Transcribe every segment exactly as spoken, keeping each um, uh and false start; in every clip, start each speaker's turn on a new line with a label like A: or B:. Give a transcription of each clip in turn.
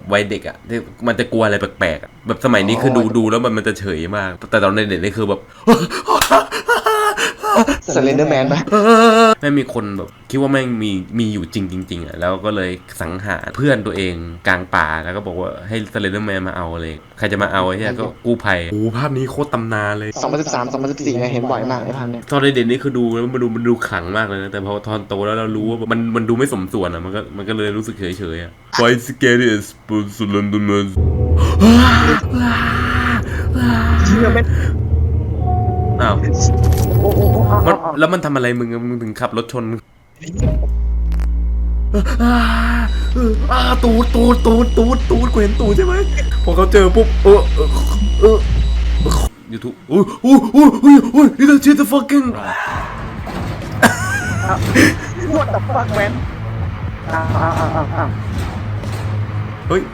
A: วัยเด็กอ่ะที่มันจะกลัวอะไรแปลกๆแบบสมัยนี้คือดูดูแล้วมันมันจะเฉยมากแต่ตอนเด็กนี่คือแบบ
B: สเลนเดอร์แมนปะ
A: แม่งมีคนแบบคิดว่าแม่งมีมีอยู่จริงจริงๆอ่ะแล้วก็เลยสังหารเพื่อนตัวเองกลางป่าแล้วก็บอกว่าให้สเลนเดอร์แมนมาเอาเลยใครจะมาเอาไอ้เนี่ยก็กู้ภัยโอ้ภาพนี้โคตรตำนานเลย
B: สองพันสิบสาม สองพันสิบสี่เนี่ยเห็นบ่อยมากไอ้ภาพเนี่ย
A: ตอนเด็กๆนี่คือดูแล้วมันดูมันดูขลังมากเลยนะแต่พอตอนโตแล้วเรารู้ว่ามันมันดูไม่สมส่วนอ่ะมันก็มันก็เลยรู้สึกเฉยๆอ่ะ Why scared is Slenderman
B: เชื่อไหม
A: อ้าวมันแล้วมันทำอะไรมึงมึงถึงขับรถชนอ่าตูดตูดตูดตูดตูดกูเห็นตูดใช่ไหมพอเขาเจอปุ๊บเออเออเออยูทูบโอ้ยโอ้ยโอ้ยโอ้ยโอ้ย นี่คือ the fucking
B: What the fuck man อ้าวอ้าวอ้าวอ้าว
A: เฮ้ย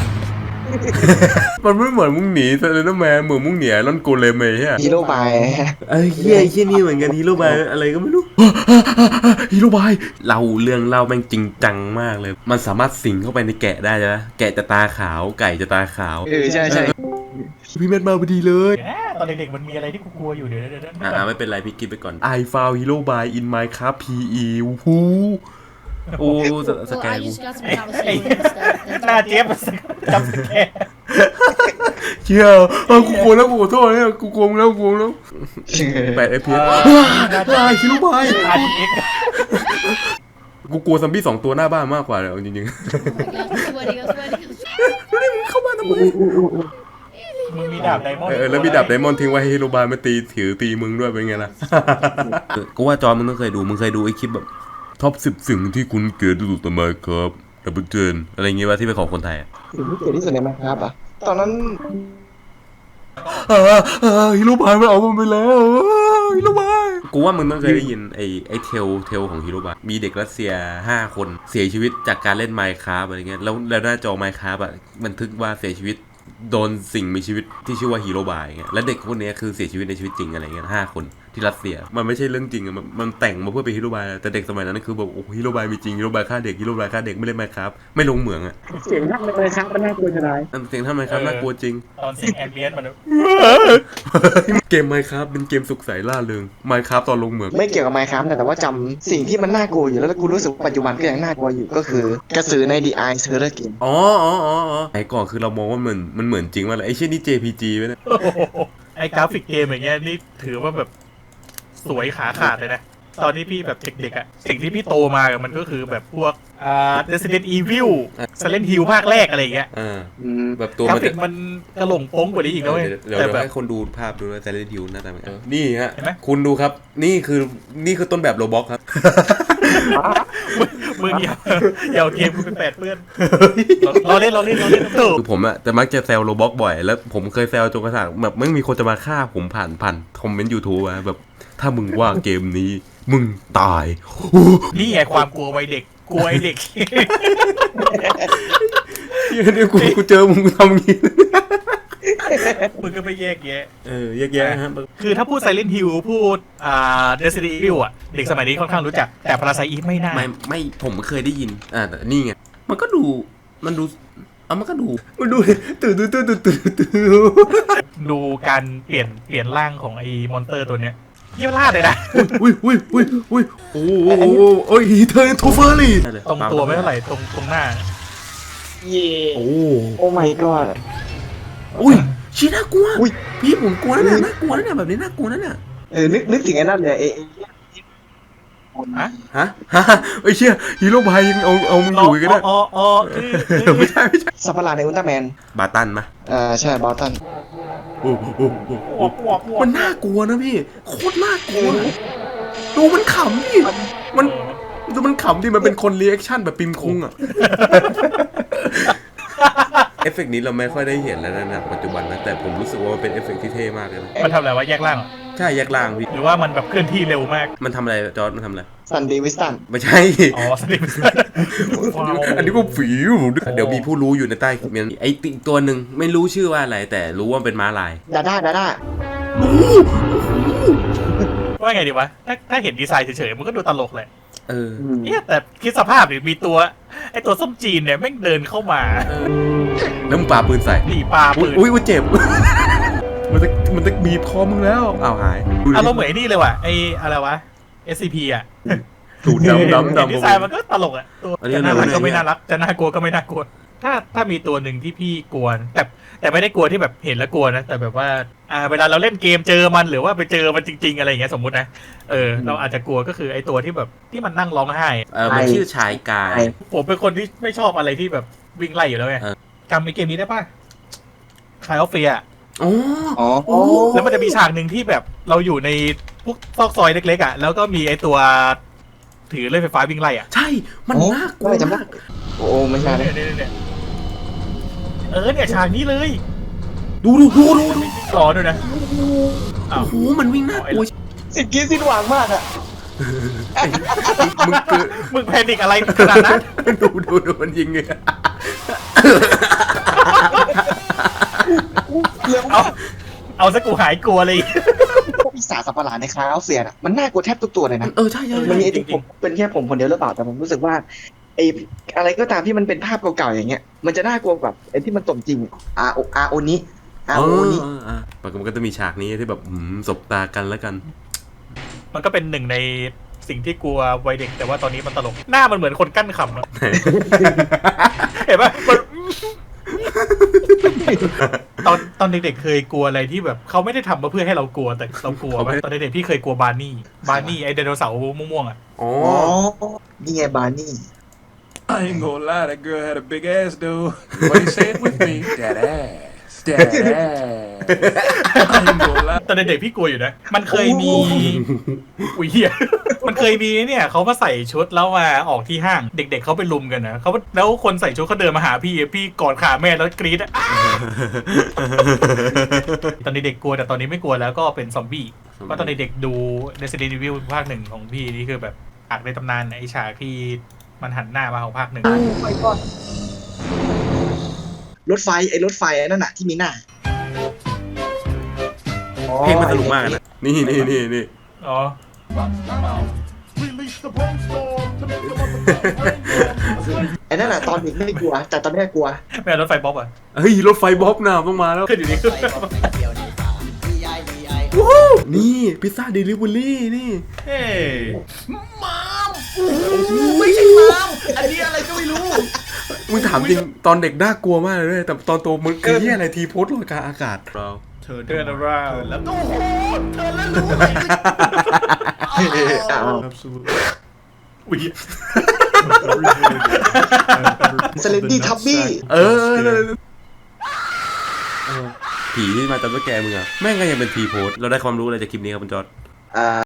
A: มันไม่เหมือนมึงหนีสเลนเดอร์แมนเหมือนมึงหนีลอนโกเลมไอ้เหี้ย
B: ฮีโร่บาย
A: ไอ้เหี้ยไอ้เหี้ยนี่เหมือนกันฮีโร่บายอะไรก็ไม่รู้ฮีโร่บายเราเรื่องเล่าแม่งจริงจังมากเลยมันสามารถสิงเข้าไปในแกะได้ใช่ไหมแกะจะตาขาวไก่จะตาขาว
B: เออใช่ใช่
A: พี่เม็ดมาพอดีเลย
C: ตอนเด็กๆมันมีอะไรที่กูกลัวอยู่เดี๋ยวเดี๋ยว
A: อ่าไม่เป็นไรพี่กินไปก่อน I found hero by in Minecraft พี อี ฮูโอ้สแกนกู
C: หน้าเจี๊ยบจำสแกน
A: เชี่ยกูกลัวแล้วกูขอโทษเนี่ยกูกลัวแล้วกูกลัวแล้วแปด เอฟ พี เอส ว้ายฮิโร่บายกูกลัวซัมบี้สองตัวหน้าบ้านมากกว่าเลยจริงๆนี่มึงเข้ามาทำไม
C: มึงมีดาบไดมอนด์
A: เออแล้วมีดาบไดมอนด์ทิ้งไว้ให้ฮิโร่บายมาตีถือตีมึงด้วยเป็นไงล่ะกูว่าจอมึงต้องเคยดูมึงเคยดูไอ้คลิปแบบท็อปสิบสิ่งที่คุณเกลียดที่สุดทำไมครับดับเบิลเจนอะไรเงี้ยว่าที่เป็นของคนไทย
B: สิ่งที่เกลียดที่สุดในมันครับอ่ะตอนนั้น
A: ฮิโร่บายมันเอามันไปแล้วฮิโร่บายกูว่ามึงต้องเคยได้ยินไอ้ไอ้เทลเทลของฮิโร่บายมีเด็กรัสเซียห้าคนเสียชีวิตจากการเล่น Minecraft อะไรเงี้ยแล้วแล้วหน้าจอ Minecraft อ่ะบันทึกว่าเสียชีวิตโดนสิ่งมีชีวิตที่ชื่อว่าฮีโร่บายเงี้ยและเด็กพวกนี้คือเสียชีวิตในชีวิตจริงอะไรเงี้ยห้าคนที่รัสเซียมันไม่ใช่เรื่องจริงอะมันมันแต่งมาเพื่อเป็นฮีโร่บายแต่เด็กสมัยนั้นคือแบบโอ้ฮีโร่บายมีจริงฮีโร่บายฆ่าเด็กฮีโร่บายฆ่าเด็กไม่เล่นไมค์ครับไม่ลงเหมืองอะ
B: เสียงท่านเลยครับมันน่ากลัวจะได้
A: เสียงท่านไมค์ครับน่ากลัวจริง
C: ตอนเสียงแอมเบียนมัน
A: เกมไมค์ครับเป็นเกมสุขใสล่าเริงไมค์ครับตอนลงเหมือง
B: ไม่เกี่ยวกับไมค์ครับแต่ว่าจำสิ่งที่มันน่ากลัวอยู่แล้วกูรู้สึกปัจจุบันก็ยังน่ากลัวอยู่ก็คือกระสือใน The Eye Horror Game
A: อ๋ออ๋ออ๋อไอ้ก่อนคือเรามองว่ามันมันเหมือนจริงว่าไอ้เช่นนี่ เจ พี จี ไว้นะ
C: ไอ้กราฟิกเกมอย่างเงี้ยนี่ถือว่าแบบสวยขาขาดเลยนะตอนที่พี่แบบเด็กๆอ่ะสิ่งที่พี่โตมากับมันก็คือแบบพวกอ่า Resident Evil Silent Hill ภาคแรกอะไรอย่างเงี้ย
A: อ่าแบบตัว
C: กราฟิกมันกระหล่งโป้งกว่านี้อีกนะเว้ย
A: แต่แบบให้คนดูภาพดูว่า Silent Hill หน้าตาเป็นนี่ฮะคุณดูครับนี่คือนี่คือต้นแบบโรบ็อกครับ
C: มึงอย่าอย่าเกมกูเป็นแปดเปื้อนเราเล่นเราเล่นเราเล่น
A: คือผมอะแต่มักจะแซวโรบ็อกบ่อยแล้วผมเคยแซวจนกระทั่งแบบไม่มีคนจะมาฆ่าผมผ่านผ่านคอมเมนต์ YouTube อะแบบถ้ามึงว่าเกมนี้มึงตาย
C: นี่ไงความกลัววัยเด็กกลัวไอเด็ก
A: เดี๋ยวกูกูเจอมึงทำงี้
C: มึงก็ไม่แยกแยะ
A: เออแยกแยะฮะ
C: คือถ้าพูด Silent Hill พูดอ่า Resident Evil อ่ะเด็กสมัยนี้ค่อนข้างรู้จักแต่ Parasite Eve ไม่น่า
A: ไม่ไม่ผมเคยได้ยินอ่าแต่นี่ไงมันก็ดูมันดูเอามันก็ดูมันดูตื่นตื่นตื่นตื่นตื่น
C: ดูการเปลี่ยนเปลี่ยนร่างของไอ้มอนเตอร์ตัวเนี้ยเยี่ยมลาดเลยนะ
A: อุ้ยอุ้ยอุ้ยอุ้ยโอ้โหโอ้ยเธอทูเฟอร์ลี่
C: ตรงตัวไม่เท่าไหร่ตรงตรงหน้า
B: เย่โอ้โอ้ my god
A: อุ้ยชี้น่ากลัวพี่ผมกลัวนะน่ากลัวนะแบบนี้น่ากลัวนะเนี่ย
B: เออนึกนึกถึงไอ้นั่นเลยเอ
A: ฮะฮะฮะไอ้เชี่ยฮีโร่บายยังเอาเอามึงอยู่กันได้
C: อ๋ออ๋อ
A: ไม่ใช่ไม่ใช่
B: สัปหลาดในอุลตร้าแมน
A: บาตันมะ
B: อ่าใช่บาตัน
A: โอ้โหมันน่ากลัวนะพี่โคตรน่ากลัวดูมันขำพี่มันดูมันขำที่มันเป็นคนรีแอคชั่นแบบปิมคุงอ่ะเอฟเฟกต์นี้เราไม่ค่อยได้เห็นแล้วนะปัจจุบันนะแต่ผมรู้สึกว่ามันเป็นเอฟเฟกต์ที่เท่มากเลยนะ
C: มันทำอะไรวะแยกล่าง
A: ใช่แยกล่างพี่
C: หรือว่ามันแบบเคลื่อนที่เร็วมาก
A: มันทำอะไรจอร์จมันทำอะไร
B: ซันเดวิสตัน
A: ไม่ใช่
C: อ๋อซันเดวิสตัน
A: อันนี้ก็ฝีเดี๋ยวมีผู้รู้อยู่ในใต้คอมเมนต์ไอ้ติตัวหนึ่งไม่รู้ชื่อว่าอะไรแต่รู้ว่าเป็นม้าลาย
B: ดาด้าดาด้า
C: ว่าไงดีวะถ้าถ้าเห็นดีไซน์เฉยๆมันก็ดูตลกแหละ
A: เออ
B: อืม
C: เนี่ยแต่คิดสภาพดิมีตัวไอตัวส้มจีนเนี่ยแม่งเดินเข้ามา
A: แล้วมึงปาปืนใส่
C: หนีปลา
A: อุ้
C: ปื
A: ย
C: น
A: อุ้ยอุ้ยเจ็บ มันจะมันจะบีบคอมึงแล้วอ้าวหายดูดิ
C: อารมณ์เหมือนไอ้นี่เลยว่ะไออะไรวะ เอส ซี พี อ่ะ
A: ตูดดำดำดำ
C: ดีไซน์มันก็ตลกอ่ะตัว
A: อันนี้
C: จะน่ารัก
A: อันนี้
C: ก็ไม่น่ารักจะน่ากลัวก็ไม่น่ากลัว ถ้าถ้ามีตัวหนึ่งที่พี่กลัวนะแต่แต่ไม่ได้กลัวที่แบบเห็นแล้วกลัวนะแต่แบบว่าอ่าเวลาเราเล่นเกมเจอมันหรือว่าไปเจอมันจริง ๆอะไรอย่างเงี้ยสมมุตินะเออเราอาจจะกลัวก็คือไอตัวที่แบบที่มันนั่งร้องไห้อะ
A: เออมันชื่อชายกาย
C: ผมเป็นคนที่ไม่ชอบอะไรที่แบบวิ่งไล่อยู่แล้วไง
A: เออ
C: จำไอเกมนี้ได้ป่ะคลายออฟเฟีย
A: อ๋อ
B: อ๋อ
C: แล้วมันจะมีฉากหนึ่งที่แบบเราอยู่ในพวกซอกซอยเล็กๆอ่ะแล้วก็มีไอตัวถือเลื่อยไฟฟ้าวิ่งไล่อ่ะ
A: ใช่มันน่ากลัว
B: ไม่จำได้
A: มาก
B: โอ้ไม่ใช่นะ
C: เนี่ยเนี่ยเนี่ยเออเนี่ยฉากนี้เลย
A: ดูดูดูดูดู
C: ไม่รอด้วยนะอ้าว
A: โอ้โหมันวิ่งน่ากลัว
B: สิ่งที่สิ้นหวังมากอะ
A: มึงเกิด
C: มึงแพนิกอะไรขนาดนั้น
A: ดูดูดูมันยิงเลย
B: เรื่อง
C: เอาเอาซะกูหายกลัวเลย
B: พวกปีศาจสัตว์ประหลาดในคลาวเซียนอะมันน่ากลัวแทบทุกตัวเลยนะ
A: เออใช่ใช่
B: มัน
A: ใช่
B: มีไอ้ที่ผมเป็นแค่ผมคนเดียวหรือเปล่าแต่ผมรู้สึกว่าไอ้อะไรก็ตามที่มันเป็นภาพเก่าๆอย่างเงี้ยมันจะน่ากลัวแบบไอ้ที่มันสมจริงอาโออาโอนี้อา
A: เอ
B: โอ
A: อ
B: นี้
A: เออเออมันก็จะมีฉากนี้ที่แบบหืมสบตากันแล้วกัน
C: มันก็เป็นหนึ่งในสิ่งที่กลัววัยเด็กแต่ว่าตอนนี้มันตลก หน้ามันเหมือนคนกั้นขำอะเห็นปะมันตอนตอนเด็กๆเคยกลัวอะไรที่แบบเขาไม่ได้ทำมาเพื่อให้เรากลัวแต่เรากลัวปะตอนเด็กๆพี่เคยกลัวบาร์นี่บาร์นี่ไอไดโนเสาร์ม่วงๆอ่ะ
A: อ๋อ
B: อ๋อนี่ไงบาร์นี่
D: I ain't gonna lie, that girl had a big ass, dude. But say it with me. That ass. That ass. I ain't gonna lie.
C: ตอนเด็กๆพี่กลัวอยู่นะ มันเคยมี อุ้ยเหี้ย มันเคยมีเนี่ยเขามาใส่ชุดแล้วมาออกที่ห้าง เด็กๆเขาไปลุมกันนะเขาแล้วคนใส่ชุดเขาเดินมาหาพี่พี่กอดขาแม่แล้วกรี๊ดอะอ้าตอนเด็กๆกลัวแต่ตอนนี้ไม่กลัวแล้วก็เป็นซอมบี้เพราะตอนเด็กๆดู Resident Evil ภาคหนึ่งของพี่นี่คือแบบฉากในตำนานไอ้ฉากที่มันหันหน้ามาของภาคหนึ่ง
B: รถไฟไอ้รถไฟไอ้นั่นน่ะที่มีหน้า
A: เพลงมันสนุกมากนะนี่นี่นี่นี่
C: อ๋อ
B: ไอ้นั่นน่ะตอนเด็กไม่กลัว แต่ตอนนี้กลัว
C: แม่รถไฟบ๊อบอ่ะ
A: เฮ้ยรถไฟบ๊อบน่ะต้องมาแล้ว
C: ขึ้นอยู่นี่ขึ้น
A: นี่พิซซ่าเดลิเวอรี่นี่
C: เฮ้ย
B: ไม่ใช่มามอันนี้อะไรก็ไม่รู้
A: มึงถามจริงตอนเด็กน่ากลัวมากเลยเว้ยแต่ตอนโตมึงคือเหี้ยอะไรทีโพสต์ลอยกลางอากาศเรา
C: เธอเดินราวแล้วก็
B: อ้าว
C: อุ้ย
B: สเลนดี้ทับบี้
A: เออเออเออเออผีที่มาตามตัวแกมึงอะแม่งก็ยังเป็นทีโพสต์เราได้ความรู้อะไรจากคลิปนี้ครับคุณจอร์ด
B: อ่า